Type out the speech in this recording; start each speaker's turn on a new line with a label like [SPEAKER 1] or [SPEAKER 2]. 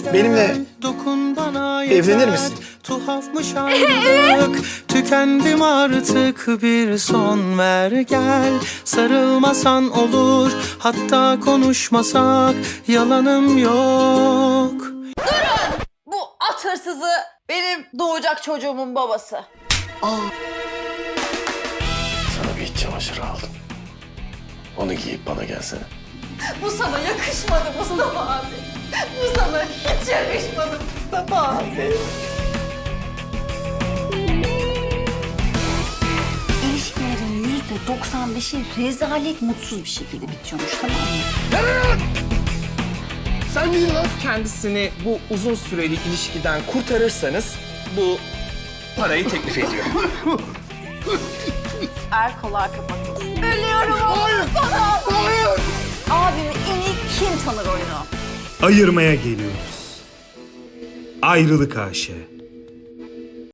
[SPEAKER 1] benimle evlenir misin?
[SPEAKER 2] Tuhafmış ayrılık. Tükendim artık, bir son ver gel. Sarılmasan olur, hatta konuşmasak yalanım yok.
[SPEAKER 3] Bu at hırsızı benim doğacak çocuğumun babası.
[SPEAKER 1] Sana bir iç çamaşırı aldım. Onu giyip bana gelsene.
[SPEAKER 3] Bu sana yakışmadı Mustafa abi. Bu sana hiç yakışmadı Mustafa abi.
[SPEAKER 4] İlişkilerin %95'i rezalet mutsuz bir şekilde bitiyormuş, tamam mı?
[SPEAKER 1] Sen değil lan.
[SPEAKER 5] Kendisini bu uzun süreli ilişkiden kurtarırsanız bu parayı teklif ediyorum.
[SPEAKER 3] Erkolar kapatılsın. Ölüyorum oğlum sana. Abimi en iyi kim tanır oyunu?
[SPEAKER 6] Ayırmaya geliyoruz. Ayrılık AŞ.